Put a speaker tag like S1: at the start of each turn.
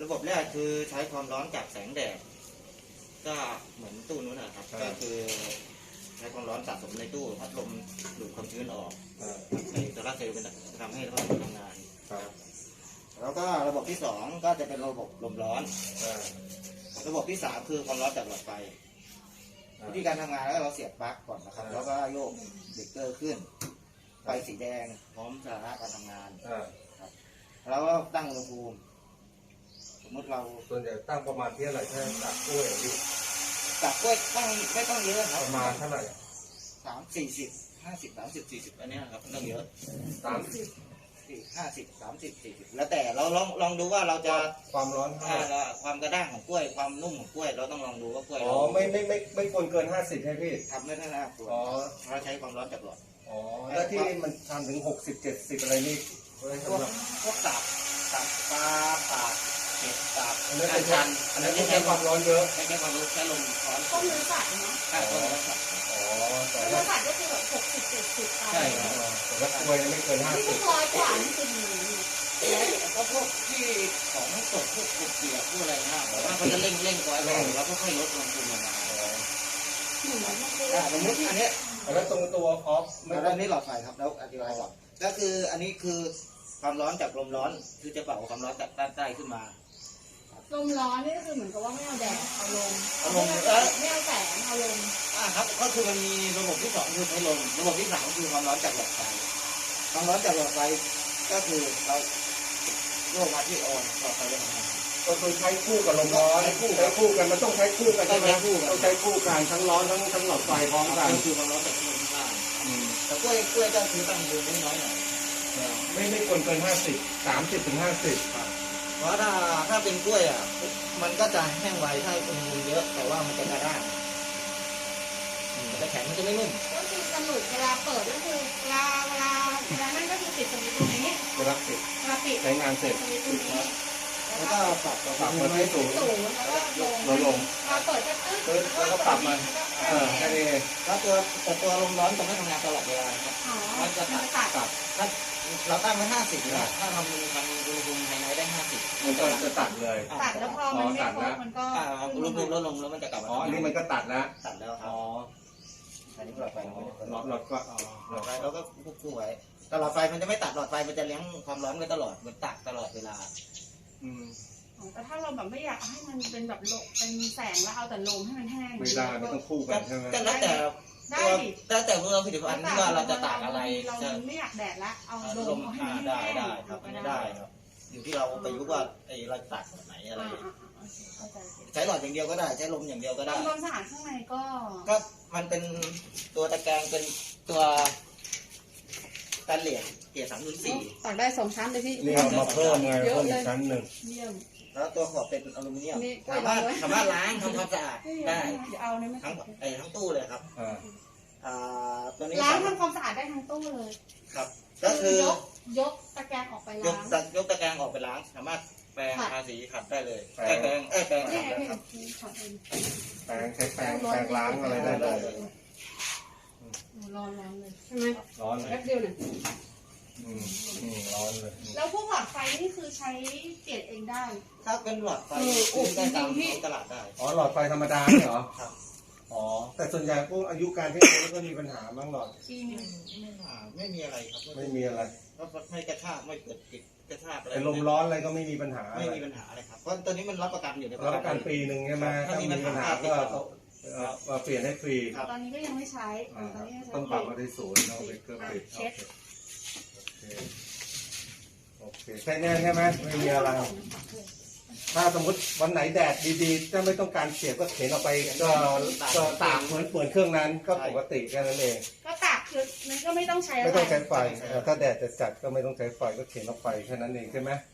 S1: ระบบแรกคือใช้ความร้อนจากแสงแดดก็เหมือนตู้นู้นนะครับก็คือใช้ความร้อนสะสมในตู้พัดลมดูดความชื้นออกในโซลาร์เซลล์เป็นทำให้ระบบทำงานแล้วก็ระบบที่สองก็จะเป็นระบบลมร้อนระบบที่สามคือความร้อนจากหลอดไฟวิธีการทำงานแล้วเราเสียบปลั๊กก่อนนะครับแล้วก็โยกเบรกเกอร์ขึ้นไฟสีแดงพร้อมสาระการทำงานแล้วก็ตั้งอุณหภูมิสมมติเรา
S2: ส่วนใหญ่ตั้งประมาณที่อะไรแค่ตักกล้วยอยู่
S1: ตักกล้วยต้องไม่ต้องเยอะครับ
S2: ประมาณเท่าไหร่
S1: 30 40 50 40อันนี้ครับไม่ต้องเยอะ
S2: 30
S1: 50 30 40แล้วแต่เราลองดูว่าเราจะ
S2: ความร้อน
S1: ความกระด้างของกล้วยความนุ่มของกล้วยเราต้องลองดูว่ากล้วย
S2: อ๋อไม่ควรเกิน50ใช่พี่
S1: ทำไม่ได้นะ
S2: อ๋อ
S1: เราใช้ความร้อนจากหลอด
S2: อ๋อแล้วที่มันทำถึง60 70อะไรนี่
S1: พวกตับปลาปากเห็ดตับ
S2: อันนั้นใช้ความร้อนเยอะ
S1: ใช้ความร้อนใช้ลมร้อน
S3: ต้มเนื้อสัตว์เนาะ
S1: ต้มเนื้อสัตว์
S3: แต่เนื้อสัตว์ก็คือแบบ60 70
S1: ใช่ครับ
S2: แต่ว่ากล้วยไม่เกิน50
S3: ที่100 กว่านี่คือดี
S1: ก็พวกที่ของสดพวกเปียกพวกอะไรนะว่าเขาจะเร่งไว้แล้วก็ค่อยลดลงทุนลงมาอันนี้
S2: แล้วตรงตัวออฟ
S1: อันนี้หลอดไฟครับแล้วอธิบายก่อนก็คืออันนี้คือความร้อนจากลมร้อนคือจะเป่าความร้อนจากด้านใต้ขึ้นมา
S3: ลมร้อนนี่ก็คือเหมือนกับว่าไม่เอาแดดเอาลมไม่เอาแสงเอาลม
S1: ครับก็คือมันมีระบบที่สองคือใช้ลมระบบที่สามคือความร้อนจากหลอดไฟความร้อนจากหลอดไฟก็คือเราโยกมาที่ออนหลอดไฟจะทำงาน
S2: ก็คือใช้คู่กับลมร้อนใช้คู่กันมันต้องใช้คู่กันใช่ไหมต้องใช้คู่กันทั้งร้อนทั้งหลอดไฟพร้อมกัน
S1: คือความร้อนจากที่ลมข้างล่างแต่กล้วยก็คือตั้งอยู่น้อยหน่อย
S2: ไม่ควรเกิน50 30 ถึง 50
S1: ครับเพราะถ้าเป็นกล้วยมันก็จะแห้งไวถ้าอุณหภูมิเยอะแต่ว่ามันจะกระด้างจะแข็งมันจะไม่นุ่ม
S3: ก็คือกำหนดเวลาเปิดก็คือเวลานั่นก็คือปิดสวิตช์ตรงนี้
S2: เวลาปิดใช้งานเสร็จ
S1: แล้วก็ปรับ
S2: มาที่สูง
S3: แล้วก็ลงเราเปิดจะตึ๊ด
S2: แล้วก็ปรับมาแค่นี้
S1: แล้วตัวลมร้อนจะไม่ทำงานตลอดเวลาครับมันจะตัดถ้าเราตั้งไว้50นะถ้าทำอุณหภูมิภายในได้50
S2: มันก็จะตัดเลย
S3: ตัดแล้วพอมันไม่ครบมันก็
S1: อุณหภูมิลดลงแล้วมันจะกลับมา
S2: อ๋อนี่มันก็ตัดแล้ว
S1: ครับอ๋ออันนี้หลอดไฟ
S2: หลอดก็
S1: หลอดไฟเราก็ควบคู่ไว้แต่หลอดไฟมันจะไม่ตัดหลอดไฟมันจะเลี้ยงความร้อนไว้ตลอดมันตัดตลอดเวลา
S3: แต่ถ้าเราแบบไม่อยากให้มันเป็นแบบเป็นแสงแล้วเอาแต่ลมให้มันแห้ง
S2: ไม่ได้ไม่ต้องคู่กันใช่ไหม
S1: แล้วแต่เมื่อผลิตภัณฑ์ที่ว่าเราจะตากอะไร
S3: เราไม่อยากแดดละเอาลมให้
S1: ได้ครับได้ครับอยู่ที่เราไปยุว่าเราตัดแบบไหนอะไรใช้หลอดอย่างเดียวก็ได้ใช้ลมอย่างเดียวก็ได้
S3: ความสะอาดข้างใน
S1: ก็มันเป็นตัวตะแกรงเป็นตัวเหลี่ยมเกรด304
S3: ตักได้2 ชั้นเลยพี่
S2: นี่เอามาเพิ่มไงเพิ่มอีกชั้นหนึ่ง
S1: แล้วตัวขอบเป็นอลูมิเนียมสามารถล้างทำความสะอาดได้ทั้งตู้เลยครับ
S3: ตัวนี้ล้างทำความสะอาดได้ทั้งตู้เลย
S1: ครับก็คื
S3: อยกตะแกรงออกไปล้าง
S1: ยกตะแกรงออกไปล้างสามารถแปรงทาสีขัดได้เลยแปรงขัดได้ครับ
S2: ใช้แปรงล้างอะไรได้เลย
S3: ร้อนเลยใช่ไหม
S2: ร้อน
S3: แป๊บเดียวเนี่ย
S2: ร้อนเลย
S3: แล้วพวกหลอดไฟนี่คือใช้เปลี่ยนเองได้
S1: ถ้าเป็นหลอดไฟได้ตามตลาดได้
S2: อ๋อหลอดไฟธรรมดาเหรอ
S1: ครับ
S2: อ๋อแต่ส่วนใหญ่พวกอายุการใช้งานก็มีปัญหาบ้างหรอ
S1: ไม่มีอะไรครับ
S2: ไม่มีอะไร
S1: ก็ไม่กระชากไม่เกิดติดกระชากอะไร
S2: ลมร้อนอะไรก็ไม่มีปัญหา
S1: ไม่มีปัญหาอะไรครับเพราะตัวนี้มันรับประกันอยู่ใน
S2: รับประกันปีหนึ่งใช่ไหมถ้ามีปัญหาก็เปลี่ยนให้ฟรี
S3: ตอนนี้ก็ยังไม่ใช้
S2: ต้องปรับมาที่ศูนย์เอาไปเครื่องปิดโอเคแค่นี้ใช่ไหมไม่มีอะไรถ้าสมมติวันไหนแดดดีๆถ้าไม่ต้องการเสียบก็เข็นออกไปก็ตากเหมือนเครื่องนั้นก็ปกติแค่นั้นเอง
S3: ก็ตากคือมันก็ไม่ต้องใช้
S2: ไฟถ้าแดดจะจัดก็ไม่ต้องใช้ไฟก็เข็นออกไปแค่นั้นเองใช่ไหม